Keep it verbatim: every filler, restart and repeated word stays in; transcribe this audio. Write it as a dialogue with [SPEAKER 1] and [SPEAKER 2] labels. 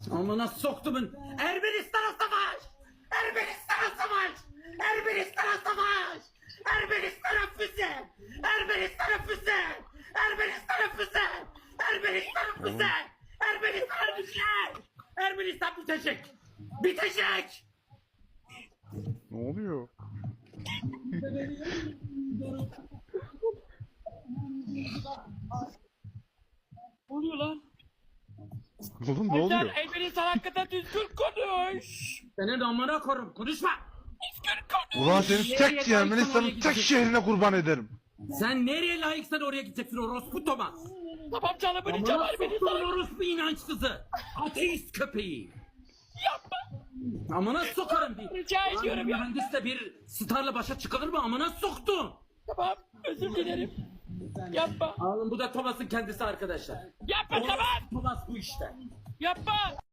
[SPEAKER 1] Amına soktumun. Ermenistan'a savaş! Ermenistan'a savaş! Ermenistan'a savaş! Ermenistan'a füze! Ermenistan'a füze! Ermenistan'a füze! Ermenistan'a füze! Ermenistan'a füze! Ermenistan bitecek! Bitecek!
[SPEAKER 2] Ne oluyor?
[SPEAKER 3] Ne oluyor lan?
[SPEAKER 2] Oğlum ne
[SPEAKER 3] Sen
[SPEAKER 2] oluyor?
[SPEAKER 3] Ermenistan hakkında düzgün konuş.
[SPEAKER 1] Senin amına korum konuşma!
[SPEAKER 3] Düzgün konuş.
[SPEAKER 2] Ulan seni tek Ermenistan'ın tek şehrine kurban ederim.
[SPEAKER 1] Sen nereye layıksan oraya gideceksin orospu Thomas!
[SPEAKER 3] Tamam canım öleceğim
[SPEAKER 1] Amına soktumun
[SPEAKER 3] Ermenistan'a.
[SPEAKER 1] orospu inançsızı! Ateist köpeği!
[SPEAKER 3] Yapma.
[SPEAKER 1] Amına sokarım bir!
[SPEAKER 3] Rica ediyorum
[SPEAKER 1] Lan
[SPEAKER 3] ya.
[SPEAKER 1] mühendisle bir starla başa çıkılır mı? Amına soktu!
[SPEAKER 3] Tamam özür dilerim. Yapma.
[SPEAKER 1] Alın bu da Thomas'ın kendisi arkadaşlar.
[SPEAKER 3] Yapma tamam.
[SPEAKER 1] Thomas bu işte.
[SPEAKER 3] Yapma.